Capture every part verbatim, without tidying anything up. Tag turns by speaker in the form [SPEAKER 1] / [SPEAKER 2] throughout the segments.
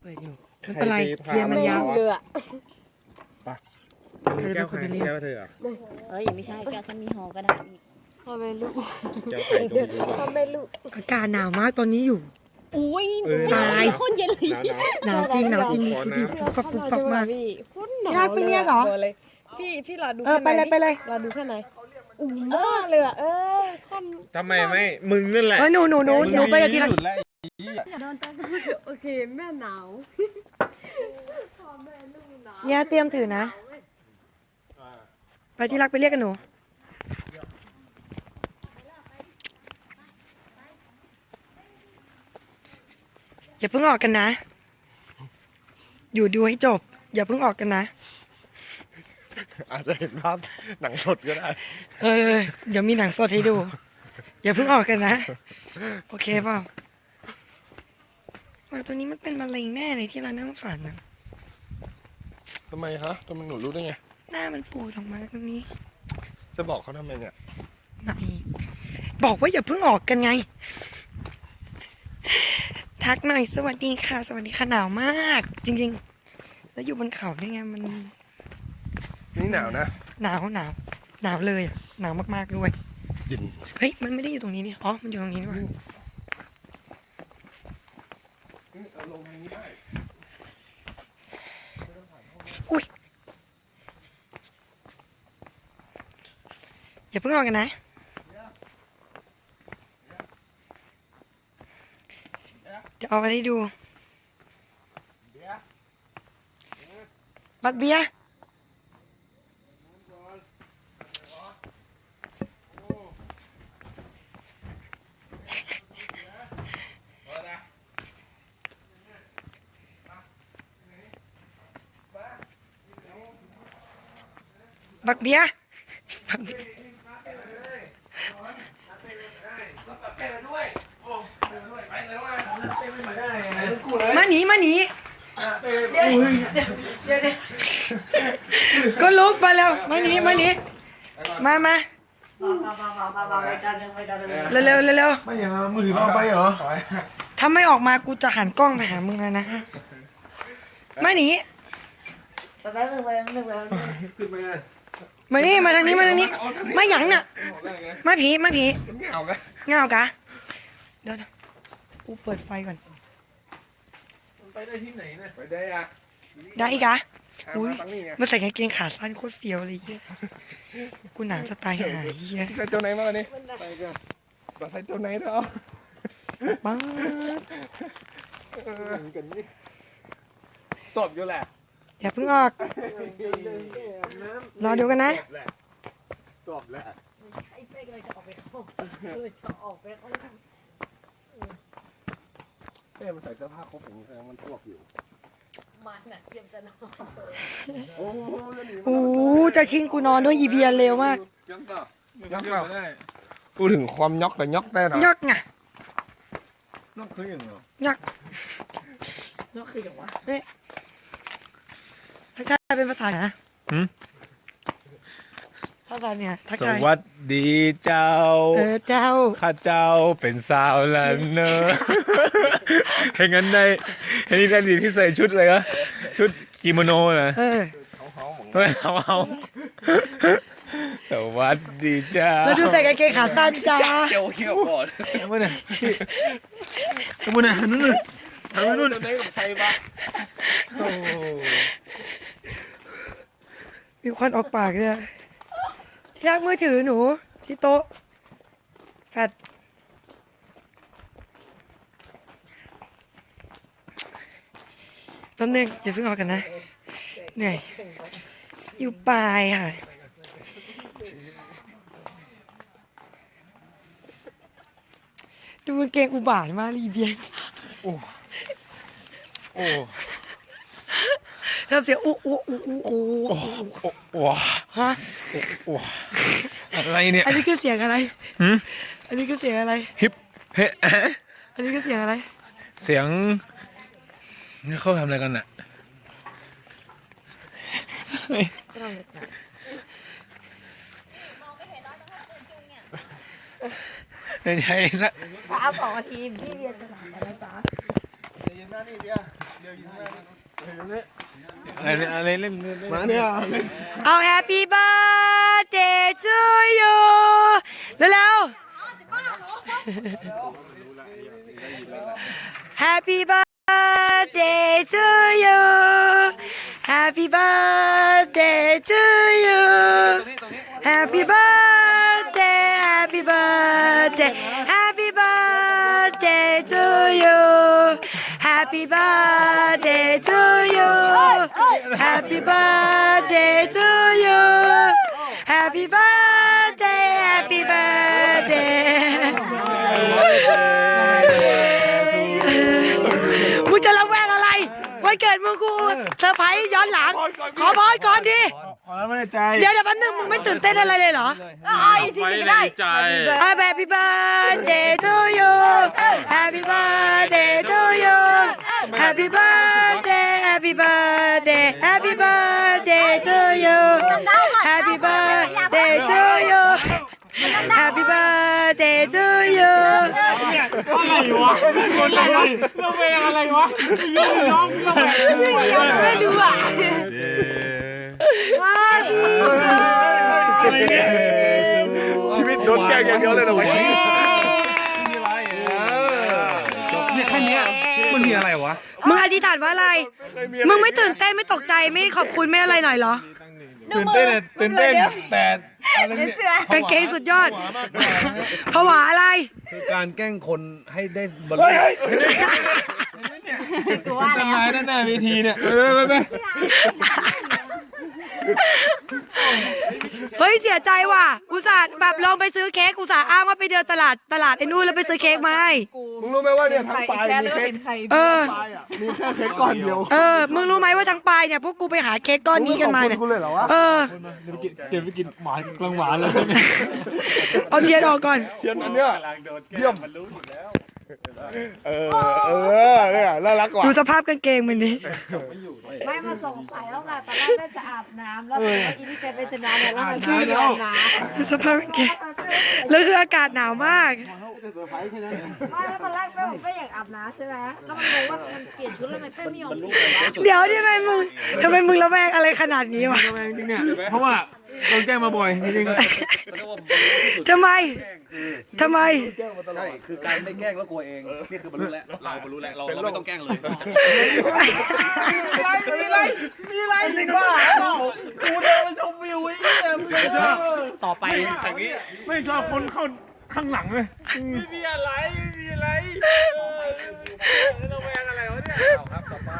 [SPEAKER 1] ปิดอยู่ไม่เป็นไรเคลียร์มันยาว
[SPEAKER 2] เรือ
[SPEAKER 1] เธอเป็นคนไปเรียก
[SPEAKER 3] แก้วเธอเหรอ
[SPEAKER 4] เอ้ยไม่ใช่แก้วฉันมีหอกระดาษอีก
[SPEAKER 2] พ่อแม่ลูก
[SPEAKER 3] แก้วไข่ตรงนี้
[SPEAKER 2] พ่อแม่ลูก
[SPEAKER 1] อากาศหนาวมากตอนนี้อยู่
[SPEAKER 4] อุ้ย
[SPEAKER 1] ตาย
[SPEAKER 4] โคตรเย็นเลย
[SPEAKER 3] หนาวหนาว
[SPEAKER 1] หนาวจริงหนาวจริงมีชีวิตฟุบฟับฟุบฟับมาก
[SPEAKER 2] พี่พูดหนาว
[SPEAKER 1] อยากไปเรียกเหรอ
[SPEAKER 2] เลยพี่พี่รอดู
[SPEAKER 1] เออไปเลยไปเลย
[SPEAKER 2] รอดูข้างในอุ่นมากเลยอ่ะเออคอม
[SPEAKER 3] ทำไมไม่ มึงนั่นแหละ
[SPEAKER 1] เออหนูหนูหนูหนูไปกับทีละ
[SPEAKER 3] มึงดีที่สุดแล้ว
[SPEAKER 2] อย่าโดนตั้งโอเคแม่หนาวพ่อแม่ลูกหนาว
[SPEAKER 1] เนี่ยเตรียมถือนะ ไปที่รักไปเรียกกันหนูอย่าเพิ่งออกกันนะ อยู่ดูให้จบ อย่าเพิ่งออกกันนะ
[SPEAKER 3] อาจจะเห็นภาพหนังสดก็ได้
[SPEAKER 1] เออเดี๋ยวมีหนังสดให้ดู อย่าเพิ่งออกกันนะ โอเคเปล่าหมาตัวนี้มันเป็นมะเร็งแน่เลยที่เรานั่งฝันนะ
[SPEAKER 3] ทำไมฮะทำไมหนูรู้ได้ไง
[SPEAKER 1] หน้ามันปูดออกมาตรงนี้
[SPEAKER 3] จะบอกเขาทำไมเนี่ย
[SPEAKER 1] ไหนบอกว่าอย่าเพิ่งออกกันไง ทักหน่อยสวัสดีค่ะ สวัสดีค่ะหนาวมาก จริงๆ แล้วอยู่บนเขาได้ไงมัน
[SPEAKER 3] นี่หนาวนะ
[SPEAKER 1] หนาวหนาวหนาวเลยอะหนาวมากๆด้วย
[SPEAKER 3] เย็น
[SPEAKER 1] เฮ้ยมันไม่ได้อยู่ตรงนี้นี่อ๋อมันอยู่ตรงนี้นี่หว่า
[SPEAKER 3] เอาลงทางนี้ได้
[SPEAKER 1] อุ้ยอย่าเพิ่งออกกันนะเดี๋ยวเอาไปให้ดูบักเบียร์บักเบียร์บักเบียร์มาหนีมาหนีก็ลุกมาแล้วมาหนีมาหนีมามาเร็วเร็วเร็วเร็ว
[SPEAKER 3] ไม่อย่างมือถือเอาไปเหรอ
[SPEAKER 1] ถ้าไม่ออกมากูจะหันกล้องไปหามึงแล้วนะมาหนี
[SPEAKER 3] ขึ้นไปเลย
[SPEAKER 1] มานี่มาทางนี้มาทางนี้มาหยังน่ะมาผีมาผี
[SPEAKER 3] เหงาไหม
[SPEAKER 1] เงากะเดี๋ยวนะกูเปิดไฟก่อน
[SPEAKER 3] ไปได้ที่ไหนเนี่ยไปได้อะ
[SPEAKER 1] ได้อีกะอุ้ย
[SPEAKER 3] ตั้งนี่ไง
[SPEAKER 1] มาใส่กางเกงขาสั้นโคตรเฟี้ยวเลยเฮียกูหนาวจะตายหายเฮีย
[SPEAKER 3] ใส่ตัวไหนมาวันนี้ไปกันมาใส่ตัวไหนเถอะ
[SPEAKER 1] ป้าด
[SPEAKER 3] กันนี่ตบอยู่แหละ
[SPEAKER 1] อย่าเพิ่งออกรอดูกันนะ
[SPEAKER 3] ตบแหละ
[SPEAKER 2] ไอ้เป้กเลยจะออกไปเข้าเลยจะออกไปเข้า
[SPEAKER 3] เป้มันใส่เสื้อผ้าครบอย่างนี้แสดงมันตบอยู่
[SPEAKER 2] มันน่ะเตรียมจะนอน
[SPEAKER 3] โอ้โหจะหนี
[SPEAKER 1] โอ้โหจะชิงกูนอนด้วยยีเบียร์เร็วมาก
[SPEAKER 3] ยักษ์ก็ยักษ์ก็พูดถึงความยอกแต่ยอกได้หรอย
[SPEAKER 1] อกไง
[SPEAKER 3] ยอกคืออย่างเหรอย
[SPEAKER 1] อก
[SPEAKER 2] นอกคืออย่างวะ
[SPEAKER 1] ทักทายเป็นภาษาไหนนะภาษาเนี่ยทัก
[SPEAKER 3] ส
[SPEAKER 1] ทาย
[SPEAKER 3] วัสดีเจ้า
[SPEAKER 1] เออเจ้า
[SPEAKER 3] ข้าเจ้าเป็นสาวลันเนอร์เห็นงั้นได้เห็นนี่ได้ดีที่ใส่ชุดเลยอะชุดกิโมโนนะ
[SPEAKER 1] เออ
[SPEAKER 3] เฮ้ยเอาเอาสวัสดีเจ้า
[SPEAKER 1] แล้วดูใส่กางเกงขาสั้นจ้า
[SPEAKER 3] เจียวเขี้ยวก่อนมาเนี่ยมาเนี่ยนู่นนู่นทำนู่นได้กับใครบ้างโอ้
[SPEAKER 1] มีควันออกปากเนี่ยที่รักมือถือหนูที่โต๊ะแฟดแป๊บนึงอย่าเพิ่งออกกันนะเหนื่อยอยู่ปลายค่ะดูกางเกงอุบาทมากรีเบียน
[SPEAKER 3] โอ้โอ้
[SPEAKER 1] แล้วเสียงอู้อู้อู้อู้อู้
[SPEAKER 3] โอ้ว้า
[SPEAKER 1] ฮะ
[SPEAKER 3] โอ้อะไรเนี่ย
[SPEAKER 1] อันนี้คือเสียงอะไร
[SPEAKER 3] หืม
[SPEAKER 1] อันนี้คือเสียงอะไร
[SPEAKER 3] ฮิปเฮ้
[SPEAKER 1] อันนี้คือเสียงอะไร
[SPEAKER 3] เสียงนี่เขาทำอะไรกันน่ะไม่ใช่ละ
[SPEAKER 2] สามสองนาทีพี่เรียนจะหลับอะไรจ้า
[SPEAKER 3] เดี๋ยวหน้านี่เดียวอะไรเนี่ยอะไรเล่นเล่นเล่น
[SPEAKER 5] มาเนี่ย
[SPEAKER 1] เอา Happy birthday to you เร็วๆ Happy birthday to you Happy birthday to you Happy birthday Happy birthday Happy birthday to you Happy birthday to you Happy birthday to you Happy birthday Happy birthday มึงจะระแวงอะไรวันเกิดมึงกูเซอร์ไพรส์ย้อนหลังขอพรก่อนดิ
[SPEAKER 3] ขอแล้วไม่ได้ใจ
[SPEAKER 1] เดี๋ยวเดี๋ยวแป๊บนึงมึงไม่ตื่นเต้นอะไรเลยเหรอ
[SPEAKER 2] เอาอีกทีก็ได้
[SPEAKER 3] ใจ
[SPEAKER 1] Happy birthday to you Happy birthday to you Happy birthday Happy birthday Happy birthday to you Happy birthday to you Happy birthday to you
[SPEAKER 5] อะไรวะคนอะไรเราเป็นอะไรวะน้องเราแบบ
[SPEAKER 2] ไม่ดูอ่ะ
[SPEAKER 3] ชีวิตโดนแกล้งอย่างเดียวเลยเหรอวะ
[SPEAKER 5] เนี่ยแค่นี้มันมีอะไรวะ
[SPEAKER 1] มึงอธิษฐานว่าอะไร มึงไม่ตื่นเต้นไม่ตกใจไม่ขอบคุณไม่อะไรหน่อยเหรอ
[SPEAKER 3] ตื่นเต้นตื่นเต้นแต่อะไรเนี่ย
[SPEAKER 1] กางเกงสุดยอดผวาอะไร
[SPEAKER 5] คือการแกล้งคนให้ได้บรรลุ
[SPEAKER 2] กูว่า
[SPEAKER 3] ต้น
[SPEAKER 2] แล้ว
[SPEAKER 3] ไม้ด้านหน้าเวทีเนี่ยไปไปไป
[SPEAKER 1] เฮ้ยเสียใจว่ะอุตส่าห์แบบลองไปซื้อเค้กอุตส่าห์อ้างว่าไปเดินตลาดตลาดไอ้นู่นแล้วไปซื้อเค้กมาให้
[SPEAKER 5] มึงรู้ไหมว่าเนี่ยทั้งปลายมีเค้ก
[SPEAKER 1] เออ
[SPEAKER 5] มีแค่เค้กก้อนเดียว
[SPEAKER 1] เออมึงรู้ไหมว่าทั้งปลายเนี่ยพวกกูไปหาเค้กก้อนนี้กันมาเนี่ย
[SPEAKER 5] กูเลยเหรอวะ
[SPEAKER 1] เออ
[SPEAKER 3] เดี๋ยวไปกินหวานกลางหวานเลย
[SPEAKER 1] เอาเทียนออกก่อน
[SPEAKER 5] เทียนอันเนี้ยเยี่ยมเออเออเนี่ยน่ารักกว่า
[SPEAKER 1] ดูสภาพกางเกงมันดิ
[SPEAKER 2] ไม่มาสงสัยแล้วแหละตอนแรกแม่จะอาบน้ำแล้วอีนี่แกไปจะนอนเนี่ยแล้วมาช่วยโยนน้ำ
[SPEAKER 1] ดูสภาพกางเกงแล้วคืออากาศหนาวมาก
[SPEAKER 2] ไม่แล้วตอนแรกแม่ผมก็อยากอาบน้ำใช่ไหมแล้วมันงงว่ามันเปลี่ยนชุดแล้วทำไมแม่ไม่ยอมเปลี่ยนวะ
[SPEAKER 1] เดี๋ยวทำไมมึงทำไมมึงระแวงอะไรขนาดนี้วะ
[SPEAKER 3] จริงเนี่ยเพราะว่าโดนแกล้งมาบ่อยจริง
[SPEAKER 1] ทำไมทำไม
[SPEAKER 6] ใช่คือการไม่แกล้งแล้วกลัวเอง นี่คือบรรลุแล้ว เราบรรลุแล้ว เราเราไม่ต้องแกล้งเลย
[SPEAKER 5] มีอะไรมีอะไรจริงป่ะกูเดินมาชมวิวไอ้เนี่ย
[SPEAKER 3] ต่อไปจากนี้ไม่ชอบคนเข้าข้างหลังเลย
[SPEAKER 5] ไม่มีอะไรไม่มีอะไรเราแวงอะไรวะเนี่ยครับต่อไป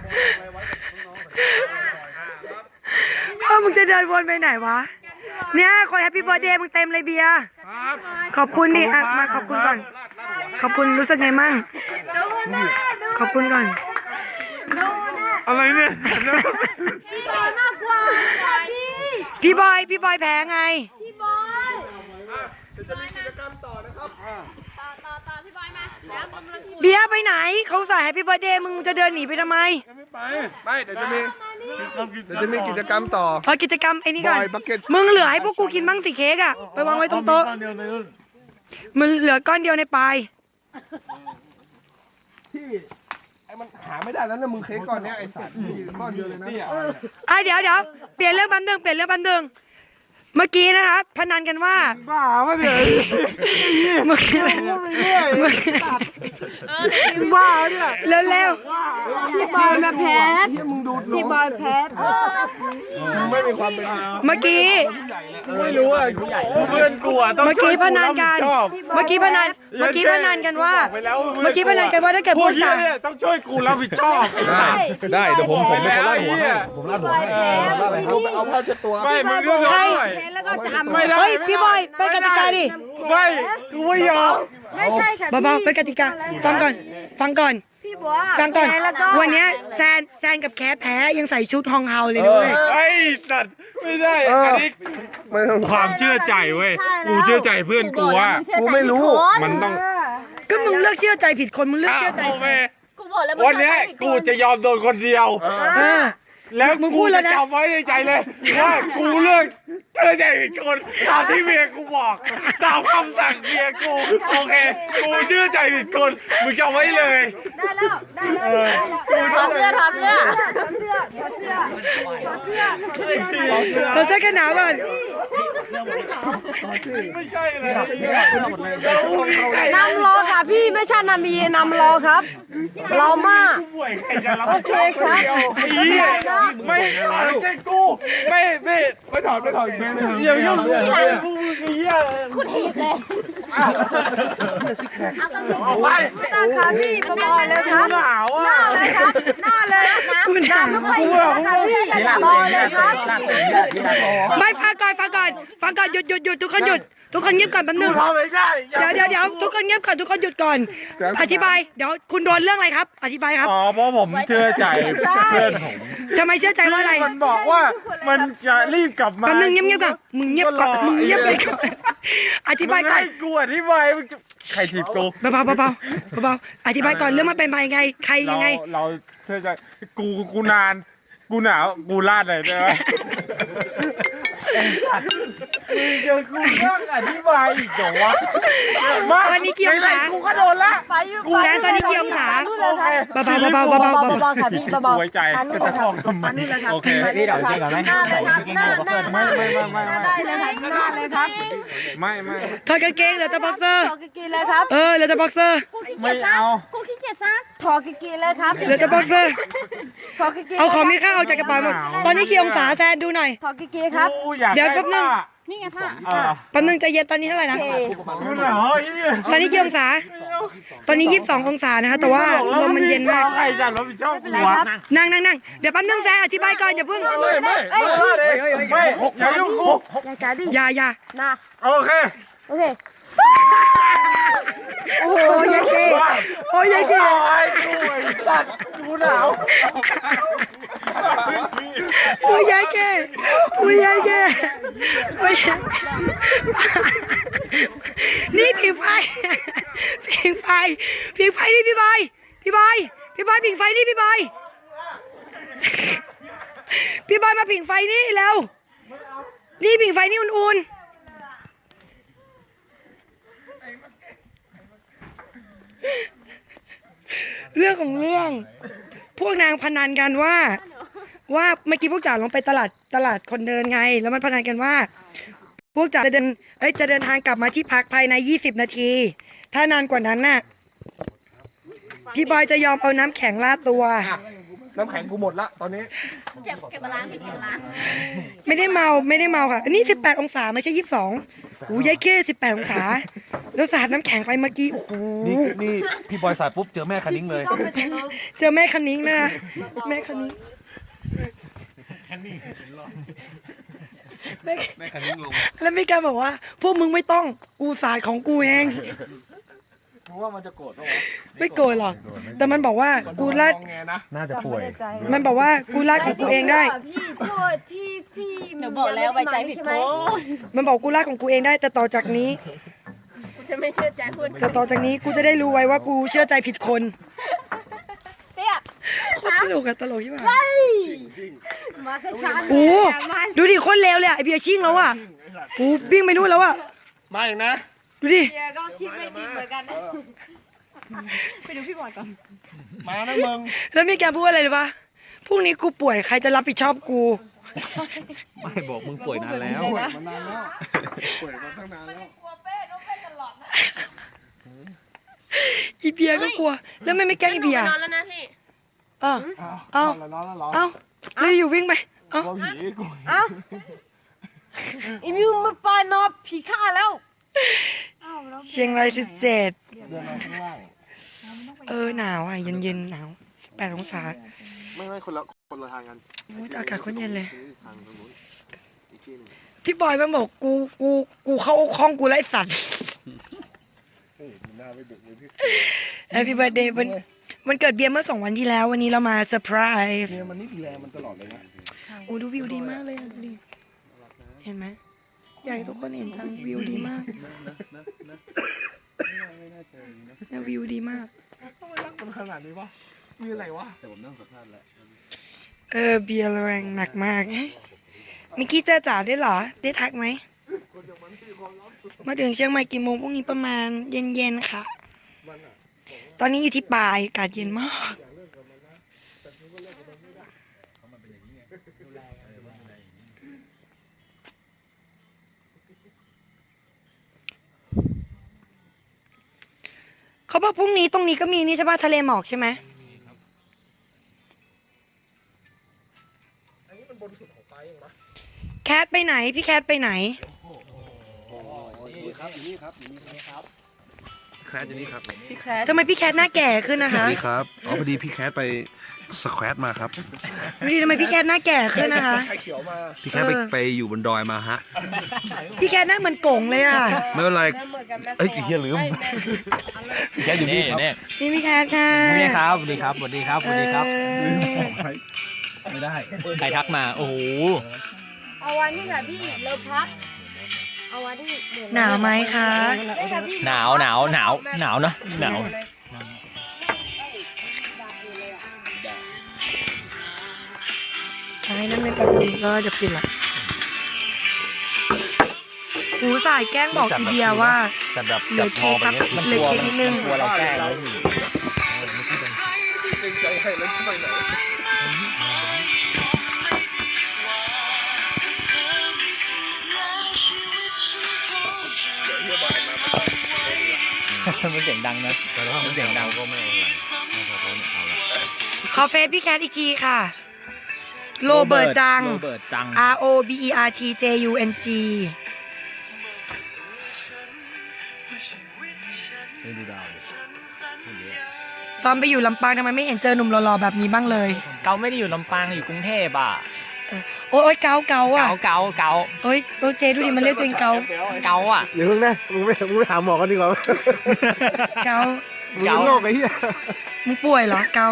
[SPEAKER 1] เออมึงจะเดินวนไปไหนวะเนี่ยคนแฮปปี้เบิร์ดเดย์มึงเต็มเลยเบียร์ขอบคุณดิอ่ะมาขอบคุณก่อน ขอบคุณรู้สึกไงมั่งขอบคุณก่อน
[SPEAKER 3] อะไรเนี่ย
[SPEAKER 2] พี่บอยมากกว่าใช่พี่
[SPEAKER 1] พี่บอยพี่บอยแพ้ไง
[SPEAKER 2] พี่บอย
[SPEAKER 5] เดี๋ยวจะมีกิจกรรมต่อนะครับ
[SPEAKER 2] ต่อต่อต่อพี่บอยมาแล้วมึงแล้วพี่
[SPEAKER 1] เบียร์ไปไหนเขาใส่แฮปปี้เบิร์ดเดย์มึงจะเดินหนีไปทำไม
[SPEAKER 3] ไม่ไป
[SPEAKER 5] ไม่เดี๋ยวจะมีเดี๋ยวจะมีกิจกรรมต่อ
[SPEAKER 1] พอกิจกรรมไอ้นี่ก่อน
[SPEAKER 5] บอยบักเก็ต
[SPEAKER 1] มึงเหลือให้พวกกูกินบ้างสิเค้กอ่ะไปวางไว้ตรงโต๊ะ
[SPEAKER 3] ก้อนเดียวในรุ่น
[SPEAKER 1] มึงเหลือก้อนเดียวในปลาย
[SPEAKER 5] ที่ไอ้มันหาไม่ได้แล้วนะมึงเค้กก้อนเนี้ยไอ้สัตว์มีก้อนเดียวเลยนะ
[SPEAKER 1] อ่ะเดี๋ยวเดี๋ยวเปลี่ยนเรื่องบันเทิงเปลี่ยนเรื่องบันเทิงเมื่อกี้นะคะพนันกันว่า
[SPEAKER 5] บ้าปะเนี่ย
[SPEAKER 1] เมื่อกี้เมื่อกี้
[SPEAKER 5] บ้าเนี่ย
[SPEAKER 1] เร็วเร็ว
[SPEAKER 2] พี่บอยมาแพ้
[SPEAKER 5] ที่มึงดู
[SPEAKER 2] พี่บอยแพ้
[SPEAKER 5] มึงไม่มีความเป็น
[SPEAKER 1] เมื่อกี้
[SPEAKER 5] ไม่รู้อ่ะเพื่อนกูอ่ะต้อง
[SPEAKER 1] เมื่อกี้พนันกัน เมื่อกี้พนันเมื่อกี้พนันกันว่า เมื่อกี้พนันกันว่าถ้าเกิด
[SPEAKER 5] พ
[SPEAKER 1] พู
[SPEAKER 5] ว
[SPEAKER 1] ด
[SPEAKER 5] ก
[SPEAKER 1] จา
[SPEAKER 5] เนี่ยต้องช่วยกูรับผิดชอบ
[SPEAKER 3] ได้เดี๋ยวผมผมเป็นคนลาดหัวให้ผมลาดหัวให้
[SPEAKER 5] เอาเอาผ้าเช็ดตัว
[SPEAKER 6] ไม่มึงดู
[SPEAKER 1] ใคร
[SPEAKER 2] แพ้แล้วก็จะอาบ
[SPEAKER 5] ไม่ได้
[SPEAKER 1] เฮ้ยพี่บอยไปกติกาดิ
[SPEAKER 5] ไม่กูไม่ยอม
[SPEAKER 2] ไม่ใช่ค่ะ
[SPEAKER 1] เบาๆไปกติกาฟังก่อน ฟังก่อน
[SPEAKER 2] พี่บัว
[SPEAKER 1] ฟังก่อน
[SPEAKER 2] แพ้แล้วก็
[SPEAKER 1] วันเนี้ยแซนแซนกับแคทแพ้ยังใส่ชุดฮองเฮาเลยด้วย
[SPEAKER 3] ไอ้สัตว์ไม่ได้อันนี้
[SPEAKER 5] ไม่ต้อง
[SPEAKER 3] ความเชื่อใจเว้ยกูเชื่อใจเพื่อนกูว่า
[SPEAKER 5] กูไม่รู้
[SPEAKER 3] มันต้อง
[SPEAKER 1] ก็มึงเลือกเชื่อใจผิดคนมึงเลือกเชื่อใจ
[SPEAKER 3] โอเค
[SPEAKER 2] กูบอกแล้ว
[SPEAKER 3] วันเนี้ยกูจะยอมโดนคนเดียว
[SPEAKER 1] เออ
[SPEAKER 3] แล้ว
[SPEAKER 1] มึงพู
[SPEAKER 3] กู
[SPEAKER 1] ดแล้
[SPEAKER 3] จะ
[SPEAKER 1] วนะ
[SPEAKER 3] จำไว้ในใจเลยว่ากูเลือกแค
[SPEAKER 5] เธอใจผิดคนตามที่เมียกูบอกตามคำสั่งเมียกูโอเคกูเชื่อใจผิดคนมึงจำไว้เลย
[SPEAKER 2] ได้แล้วได้แล้วได้แล้ว
[SPEAKER 4] ถอดเสื้อถอดเสื้อ
[SPEAKER 2] ถอดเสื้อถอดเสื้อถอดเสื้อถอดเสื้อถอดเสื้อ
[SPEAKER 1] เราเสื้อกันหนาวก่อน
[SPEAKER 5] ไม่ใช่เลย
[SPEAKER 2] นำรอค่ะพี่ไม่ใช่นามีนำรอครับรอมาก
[SPEAKER 5] ป่วยใครจะรับ
[SPEAKER 2] โอเคครับ
[SPEAKER 5] ไอ้เหี้ยไม่ถอดใจกูไม่ไม่ไม่ถอดไม่ถอดอีกไม่ถอดอย่ายุ่งกูกูไอ้เหี้ย
[SPEAKER 4] คุณถีบเลย
[SPEAKER 5] ออกไป
[SPEAKER 2] ไม่ต้องค่ะพี่ประบอยเลยครับ
[SPEAKER 5] หนาว
[SPEAKER 2] หน้า
[SPEAKER 5] อ่ะ
[SPEAKER 2] เลยครับหน้าเลยนะ
[SPEAKER 1] กูหนาว
[SPEAKER 2] ไม่เห็นนะคะพี่ประบอยเลยครับ
[SPEAKER 1] ไม่ฟังก่อนฟังก่อนฟังก่อนหยุดหยุดหยุดทุกคนหยุดทุกคนเงียบก่อนแป๊บนึง
[SPEAKER 5] ทำไม่ได้
[SPEAKER 1] เดี๋ยวเดี๋ยวเดี๋ยวทุกคนเงียบก่อนทุกคนหยุดก่อน อธิบายเดี๋ยวคุณโดนเรื่องอะไรครับ อธิบายครับ
[SPEAKER 5] อ๋อเพราะผมเชื่อใจเพื่อนผม
[SPEAKER 1] ทำไมเชื่อใจว่าอะไร
[SPEAKER 5] มันบอกว่ามันจะรีบกลับมา
[SPEAKER 1] แป๊บนึงเงียบเงียบก่อนมึงเงียบก่อนมึงเงียบไปก่อนอธิบายก่อน
[SPEAKER 5] ให้กูอธิบายมึงจะใครถีบกู
[SPEAKER 1] เบาๆเบาๆเบาๆอธิบายก่อนเรื่องมันเป็นมายังไงใคร
[SPEAKER 5] เรา
[SPEAKER 1] ยังไง
[SPEAKER 5] เราเชื่อใจกูกูนานกูหนาวกูลาดเลยได้ไหมมึงจะกูต้องอธิบายอีกเหรอวะมา
[SPEAKER 1] ตอนนี้กี่องศา
[SPEAKER 5] ไหนๆกูก็โดนละ
[SPEAKER 2] ไปอยู่
[SPEAKER 1] กูแดนตอนนี้กี่องศา
[SPEAKER 5] โอเค
[SPEAKER 1] เบาๆเบาๆเบาๆเบาๆเบา
[SPEAKER 2] เบาๆค่ะพี่เบาๆ
[SPEAKER 5] ไว้ใจจะจะคล้องทำไมโอเค
[SPEAKER 2] พี่เดี๋ยวจริงเหรอไหมหน้าเลยครับหน้าหน้า
[SPEAKER 5] ไม่ไม่ไม่ไม่ไม่
[SPEAKER 2] ได้เลยครับหน้าเลยครับ
[SPEAKER 5] ไม่ไม่
[SPEAKER 1] ๆถอดกางเกงเหลือแต่บ็อกเซอร์
[SPEAKER 2] ถอดกางเกงเลยครับ
[SPEAKER 1] เออเหลือแต่บ็อกเซอร์
[SPEAKER 5] ไม่เอา
[SPEAKER 4] ครูขี้เกียจซัก
[SPEAKER 2] ถอดกางเกงเลยครับ
[SPEAKER 1] เหลือแต่บ็อกเซอร์
[SPEAKER 2] ถอดกางเกง
[SPEAKER 1] เอาของมีค่าออกจากกระเป๋าหมดตอนนี้กี่องศาแซนดูหน่อย
[SPEAKER 2] ถอดกางเกงครับ
[SPEAKER 5] กูอยาก
[SPEAKER 1] เดี๋ยวแป๊บนึง
[SPEAKER 4] นี่ไงผ้า
[SPEAKER 5] เออ
[SPEAKER 1] แป๊บนึงใจเย็นตอนนี้เท่าไหร่นะ
[SPEAKER 2] โอเค
[SPEAKER 5] กูหนาวไอ้เนี่ย
[SPEAKER 1] ตอนนี้กี่องศา ตอนนี้ยี่สิบสององศานะคะแต่ว่าลมมันเย็นมาก
[SPEAKER 5] ใครจะรับผิดชอบกู
[SPEAKER 2] อะไร
[SPEAKER 5] วะ
[SPEAKER 2] ครับ
[SPEAKER 1] นั่งนั่งนั่งเดี๋ยวแป๊บนึงแซนอธิบายก่อนอย่าเพิ่ง
[SPEAKER 5] ไม่ไม่ไม่ไม่อย่ายุ่งกู
[SPEAKER 2] ยังจ้าดิ
[SPEAKER 1] อย่าอย่า
[SPEAKER 2] นะ
[SPEAKER 5] โอเค
[SPEAKER 2] โอเค
[SPEAKER 1] โอ้โหยายเก๋โอ้ยยายเก๋
[SPEAKER 5] ไอ้กูไอ้สัตว์กูหนาว
[SPEAKER 1] โอ้ยยายเก๋โอ้ยยายเก๋โอ้ยนี่ผิงไฟผิงไฟผิงไฟนี่พี่บอยพี่บอยพี่บอยผิงไฟนี่พี่บอยพี่บอยมาผิงไฟนี่เร็วนี่ผิงไฟนี่อุ่นๆเรื่องของเรื่อง พวกนางพนันกันว่า ว่าเมื่อกี้พวกจ๋าลงไปตลาดตลาดคนเดินไง แล้วมันพนันกันว่า พวกจ๋าจะเดินเอ้ยจะเดินทางกลับมาที่พักภายในยี่สิบนาที ถ้านานกว่านั้นน่ะพี่บอยจะยอมเอาน้ำแข็งลาดตัว
[SPEAKER 5] น้ำแข็งกูหมดละตอนนี้
[SPEAKER 4] เก็บเก็บมาล้างเก็บมาล้าง
[SPEAKER 1] ไม่ได้เมาไม่ได้เมาค่ะอันนี้สิบแปดองศาไม่ใช่ยี่สิบสองโอ้ยยายเก้สิบแปดองศาแล้วสาดน้ำแข็งไปเมื่อกี้โอ้โห
[SPEAKER 6] นี่นี่พี่บอยสายปุ๊บเจอแม่คันนิ้งเลย
[SPEAKER 1] เจอแม่คันนิ้งนะแม่คันนิ้งแม่
[SPEAKER 6] แม่คันนิ้งลง
[SPEAKER 1] แล้วมีการบอกว่า พวกมึงไม่ต้องกูสาดของกูเอง
[SPEAKER 5] กูว่ามันจะโกรธปะวะ
[SPEAKER 1] ไม่โกรธหรอกแต่มันบอกว่ากูลาด
[SPEAKER 5] มองไงนะ
[SPEAKER 3] น่าจะป่วย
[SPEAKER 1] มันบอกว่ากูลาดของกูเองได้
[SPEAKER 2] พี่โทษที่พี่
[SPEAKER 4] เดี๋ยวบอกแล้วไว้ใจผิดคน
[SPEAKER 1] มันบอกกูลาดของกูเองได้ แต่ต่อจากนี้
[SPEAKER 4] กูจะไม่เชื่อใจคุณ
[SPEAKER 1] แต่ต่อจากนี้กูจะได้รู้ไว้ว่ากูเชื่อใจผิดคน
[SPEAKER 4] เตี้ย
[SPEAKER 1] โคตรตลกอะตลกที่ว่า
[SPEAKER 2] มาช้าช้า
[SPEAKER 1] โอ้ดูดิโคนเลวเลยอะไอเบียร์ชิ่งแล้วอะกูวิ่งไปนู่นแล้วอะ
[SPEAKER 5] มาอีกนะ
[SPEAKER 1] ดูดิ
[SPEAKER 2] เดี๋ยวก็คิดไม่ดีเหมือนกันนะ
[SPEAKER 4] ไปดูพี่บอยก่อน
[SPEAKER 5] มานะมึง
[SPEAKER 1] แล้วมีแกพูดอะไรเลยปะพรุ่งนี้กูป่วยใครจะรับผิดชอบกู
[SPEAKER 6] ไม่บอกมึงป่วยนานแล้ว
[SPEAKER 5] มานานแล้วป่วยมาตั้งนานแล้ว
[SPEAKER 2] กลัวเป้น้องเป้ตลอดนะ
[SPEAKER 1] อีเบียร์ก็กลัว แล้วไม่ไม่แกล้งอีเบียร์
[SPEAKER 4] นอนแล้วนะพี่
[SPEAKER 1] อ้าว เอ้า
[SPEAKER 5] แล้วร้อนแล้วร้อน
[SPEAKER 1] เอ้าเลยอยู่วิ่งไปเอ้า
[SPEAKER 5] กลัวผีกู
[SPEAKER 2] เอ้าอีมิวมาปานอผีฆ่าแล้ว
[SPEAKER 1] เชียงรายสิบเจ็ด
[SPEAKER 5] เดินมาข้างล่าง
[SPEAKER 1] เออหนาวอ่ะเย็นเย็นๆหนาวสิบแปดองศา
[SPEAKER 5] ไม่ไม่คนละคนละทางกัน
[SPEAKER 1] โอ้ยอากาศโคนเย็นเลย
[SPEAKER 5] ทางตรงนู้นอีกที่หนึง
[SPEAKER 1] พี่บอยมันบอกกูกูกูเข้าห้องกูไล่สัตว์
[SPEAKER 5] เฮ้ยมันน่าไม่ดุเลยพี่
[SPEAKER 1] แฮปปี้เบิร์ดเดย์วันวันเกิดเบียร์เมื่อสองวันที่แล้ว วันนี้เรามาเซอร์ไพรส์
[SPEAKER 5] เนี่ยมันนี่ดูแลมันตลอดเลยนะ
[SPEAKER 1] โอ้ดูวิวดีมากเลยอะดูดิเห็นไหมอยากให้ทุกคนเห็นจังวิวดีมากนะวิวดีมาก
[SPEAKER 5] ทำไมรักมันขนาดนี้วะมีอะไรวะ
[SPEAKER 6] แต่ผมนั่งสัมภาษณ์แล้ว
[SPEAKER 1] เออเบียร์แรงหนักมากมิกกี้เจอจ๋าได้เหรอ ได้ทักไหม มาถึงเชียงใหม่กี่โมงพรุ่งนี้ประมาณเย็นๆค่ะ ตอนนี้อยู่ที่ปลายอากาศเย็นมาก เขาบอกพรุ่งนี้ตรงนี้ก็มีนี่ใช่ป่ะทะเลหมอกใช่ไหมแคทไปไหน พี่แคทไปไหน
[SPEAKER 6] นี่ครับอยู่นี่ครับอยู่นี่ครับ
[SPEAKER 7] แคทอยู่นี่ครับ
[SPEAKER 4] พี่แคท
[SPEAKER 1] ทำไมพี่แคทหน้าแก่ขึ้นนะคะ
[SPEAKER 7] นี่ครับ อ๋อพอดีพี่แคทไปสแควตมาครับ
[SPEAKER 1] พี่ทำไมพี่แคทหน้าแก่ขึ้นนะคะ
[SPEAKER 7] พี่แคทไป
[SPEAKER 1] เออ
[SPEAKER 7] ไปอยู่บนดอยมาฮะ
[SPEAKER 1] พี่แคทหน้าเหมือนโก่งเลยอ่ะ
[SPEAKER 7] ไม่เป็นไร
[SPEAKER 2] เหมือนกันแม่
[SPEAKER 7] เอ้ยเฮียลืม พี่แคทอยู่นี่ครับ
[SPEAKER 1] นี่พี่แคทค่ะ
[SPEAKER 8] นี่ครับสวัสดีครับสวัสดีครับสวัสดีครับ
[SPEAKER 1] เออ
[SPEAKER 7] ไม่ได้
[SPEAKER 8] ใครทักมา โอ้โห
[SPEAKER 2] เอาวันนี้ค่ะพี่เราพักเอาวันที่
[SPEAKER 1] หนาวไหมคะ
[SPEAKER 2] ได้ค่ะพี่
[SPEAKER 8] หนาวหนาวหนาวหนาวเนอะหนาว
[SPEAKER 1] ใช่นั่นเป็นแบบนี้ก็จะปิดละหูสายแกล้งบอกทีเดียวว่า
[SPEAKER 8] แต่แบบ
[SPEAKER 1] เหลือเค้กครับเหลือเค้กนิดนึง
[SPEAKER 8] กลัวเราแกล้งเลย มันเสียงดังนะมันเสียงดังก็ไม่
[SPEAKER 1] ขอเฟซพี่แคทอีกทีค่ะ โรเบิร์ตจัง
[SPEAKER 8] โรเบิร์ตจัง
[SPEAKER 1] R O B E R T J U N G ตอนไปอยู่ลำปางทำไมไม่เห็นเจอหนุ่มหล่อๆแบบนี้บ้างเลย
[SPEAKER 8] เกาไม่ได้อยู่ลำปางอยู่กรุงเทพอ่ะ
[SPEAKER 1] โอ๊ยโอ๊ยเกาเกาอ่ะ
[SPEAKER 8] เกาเกาเกา
[SPEAKER 1] โอ๊ยโอ๊ยเจดูดิมันเรียกตัวเองเกา
[SPEAKER 8] เกาอ่ะ
[SPEAKER 5] อย่าเพิ่งนะมึงไม่มึงไปหาหมอกันดีกว่า
[SPEAKER 1] เกา
[SPEAKER 5] มึงเป็นโรคไอ้เหี้ย
[SPEAKER 1] มึงป่วยเหรอเกา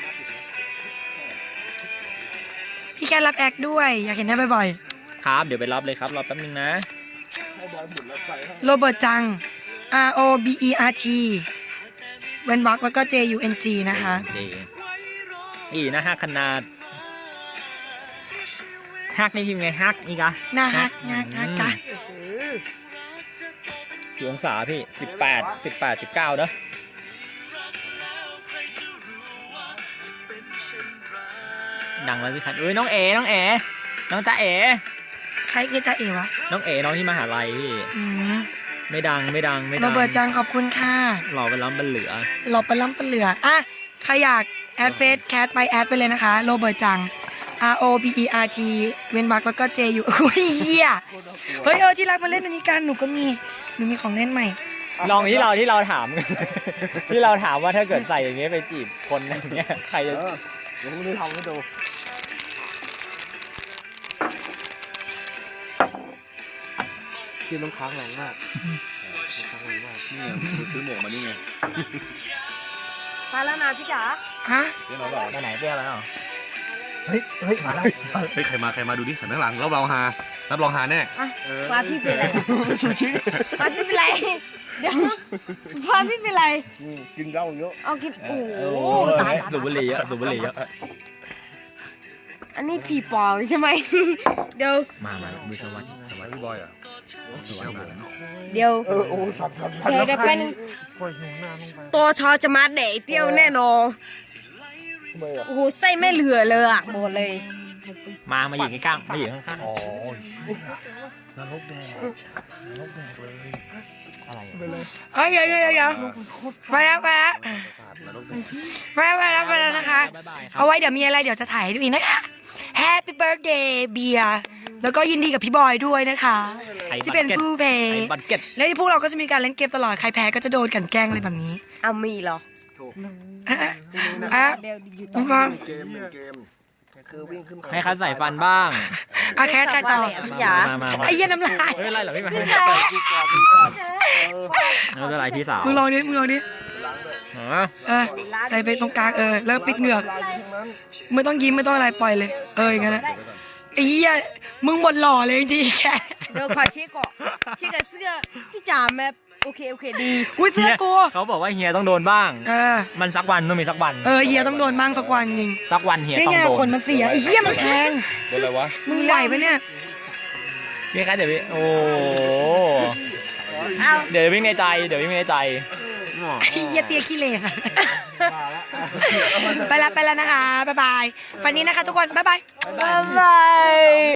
[SPEAKER 1] พี่แคทรับแอคด้วย อยากเห็นหน้าบ่อย
[SPEAKER 8] ครับ เดี๋ยวไปรับเลยครับ รอแป๊บนึงนะ
[SPEAKER 1] ๆโรเบิร์ตจัง R O B E R T เว้นวรรคแล้วก็ J U N G นะคะ
[SPEAKER 8] เจอีนะฮักขนาดฮักนี่พิมพ์ไงฮักอีกอะ
[SPEAKER 1] หน้าฮักงากฮักกะ
[SPEAKER 8] กี่องศาพี่สิบแปดสิบแปดสิบเก้าเนอะดังแล้วพี่คันเอ้ยน้องเอ๋น้องเอ๋น้องจ๊ะเอ๋
[SPEAKER 1] ใครคือจะเอ๋วะ
[SPEAKER 8] น้องเอ๋น้องที่มหาลัยพี่
[SPEAKER 1] อืม
[SPEAKER 8] ไม่ดังไม่ดังไม่ดั
[SPEAKER 1] โรเบิร์ตจังขอบคุณค่ะ
[SPEAKER 8] หล่อไปล้ำบันเหลือ
[SPEAKER 1] เราไปล้ำปะเหลืออ่ะใครอยากแอดเฟซแคทไปแอดไปเลยนะคะโรเบิร์ตจัง R O B E R T เว้นวรรคแล้วก็ J U อุ้ยเหี้ยเฮ้ยเออที่รักมาเล่นอันนี้กันหนูก็มีหนูมีของเล่นใหม่
[SPEAKER 8] ลองที่เราที่เราถาม ที่เราถามว่าถ้าเกิดใส่อย่างเงี้ยไปจีบคนอย่างเงี้ยใครจะ
[SPEAKER 5] เดี๋ยวมึงได้ทำให้ดูกินน้ำค้างแรงมากน้ำค้างแรงมาก
[SPEAKER 6] นี่มึงซื้อหมวกมานี่ไง
[SPEAKER 2] มาแล้วนะพี่จ๋า
[SPEAKER 1] ฮะ
[SPEAKER 6] เดี๋ยวเราบอก
[SPEAKER 8] ไปไหนเปรี้ยวแล้วเหรอ
[SPEAKER 7] เฮ้ย เฮ้ย มาได้เฮ้ย ใครมา ใครมาดูดิหันข้างหลังรับรองฮารับรองฮาแน่
[SPEAKER 2] ฟ้าพี่เป็นไรฟ้าพี่เป็นไรเดี๋ยวฟ้าพี่เป็นไร
[SPEAKER 5] กินเหล้าเยอะ
[SPEAKER 2] เอากินโอ้โห
[SPEAKER 8] โอ้
[SPEAKER 2] ตาย
[SPEAKER 8] สูบบุหรี่เยอะสูบบุหรี่เยอะ
[SPEAKER 2] อันนี้ผีปอบใช่ไหมเดี๋ยว
[SPEAKER 8] มามาดูสวัสดิ์สวัสดิ์
[SPEAKER 7] พี่บอยอ่ะ
[SPEAKER 2] เดี๋ยว
[SPEAKER 5] เออโอ้สับสับสับ
[SPEAKER 2] เดี๋ยวจะเป็นตัวชอจะมาเดะเตี้ยวแน่นอนโอ้โหไส้ไม่เหลือเลยอ่ะบอกเลย
[SPEAKER 8] มามาอยู่ข้างๆมาอยู่ข้าง
[SPEAKER 7] อ๋อนรกแดงนรกแดงเลย
[SPEAKER 8] ๆอะไรอะ
[SPEAKER 1] เอ้ยเดี๋ยวเดี๋ยวเดี๋ยวไปแล้วไปแล้ว
[SPEAKER 7] นรกแดง
[SPEAKER 1] ไปแล้วไปแล้วไปแล้วนะคะ
[SPEAKER 8] บ๊ายบายครั
[SPEAKER 1] เอาไว้เดี๋ยวมีอะไรเดี๋ยวจะถ่ายให้ดูอีกนะคะ Happy Birthday เบียร์แล้วก็ยินดีกับพี่บอยด้วยนะคะ
[SPEAKER 8] ไทย
[SPEAKER 1] ที่เป็น
[SPEAKER 8] บัตรก็ต
[SPEAKER 1] ผู้เพ
[SPEAKER 8] ไทย
[SPEAKER 1] ย์
[SPEAKER 8] บัตรเก็ต
[SPEAKER 1] และที่พวกเราก็จะมีการเล่นเกมตลอดใครแพ้ก็จะโดนกลันแกล้งอะไรแบบนี้
[SPEAKER 2] เอามีเหรอ
[SPEAKER 1] อ่ะอ่ะ
[SPEAKER 2] เดี๋ยวอยู่
[SPEAKER 1] น้
[SPEAKER 2] ต่
[SPEAKER 1] อ
[SPEAKER 2] อง
[SPEAKER 1] ฟัง
[SPEAKER 5] เกมเป็นเกมคือวิ่งขึ้น
[SPEAKER 8] ให้คัดใส่ฟันบ้าง
[SPEAKER 1] อ่ะแคทใครต่อ
[SPEAKER 2] พี่จ๋า
[SPEAKER 8] มามามา
[SPEAKER 1] ไอ้เหี้ยน้ำลาย
[SPEAKER 8] ไม่เป็นไรหรอกพี่มา
[SPEAKER 2] พี่จ๋า
[SPEAKER 8] ไม่เป็นไรพี่สาว
[SPEAKER 1] มึงลองดิมึงลองดิ
[SPEAKER 8] อ๋อ
[SPEAKER 1] เออใส่ไปตรงกลางเออแล้วปิดเหงือกไม่ต้องยิ้มไม่ต้องอะไรปล่อยเลย เอออย่างนั้นนะไอ้เหี้ยมึงหมดหล่อเลยจริงๆแค่
[SPEAKER 2] เดี๋ยวขอเช็คก่อนเช็คกับเสื้อพี่จ๋าแม่โอเคโอเคดี
[SPEAKER 1] อุ้ยเสื้อกู
[SPEAKER 8] เขาบอกว่าเฮียต้องโดนบ้าง
[SPEAKER 1] เออ
[SPEAKER 8] มันสักวันต้องมีสักวัน
[SPEAKER 1] เออเฮียต้องโดนบ้างสักวันจริง
[SPEAKER 8] สักวันเฮีย
[SPEAKER 1] นี่
[SPEAKER 8] ต้อง
[SPEAKER 1] ไง
[SPEAKER 8] โดน
[SPEAKER 1] ขนมันเสียไอ้เหี้ยมันแพง
[SPEAKER 6] เป็นอะไรวะ
[SPEAKER 1] มึงไหวปะเนี่ย
[SPEAKER 8] มพี่คะเดี๋ยวพี่โอ้
[SPEAKER 2] เอา
[SPEAKER 8] เดี๋ยววิ่งในใจเดี๋ยววิ่งในใจ
[SPEAKER 1] เฮียเตียขี้เหร่ค่ะไปละไปแล้วนะคะ บ๊ายบาย ฝันนี้นะคะทุกคน บ๊ายบาย
[SPEAKER 2] บ๊ายบา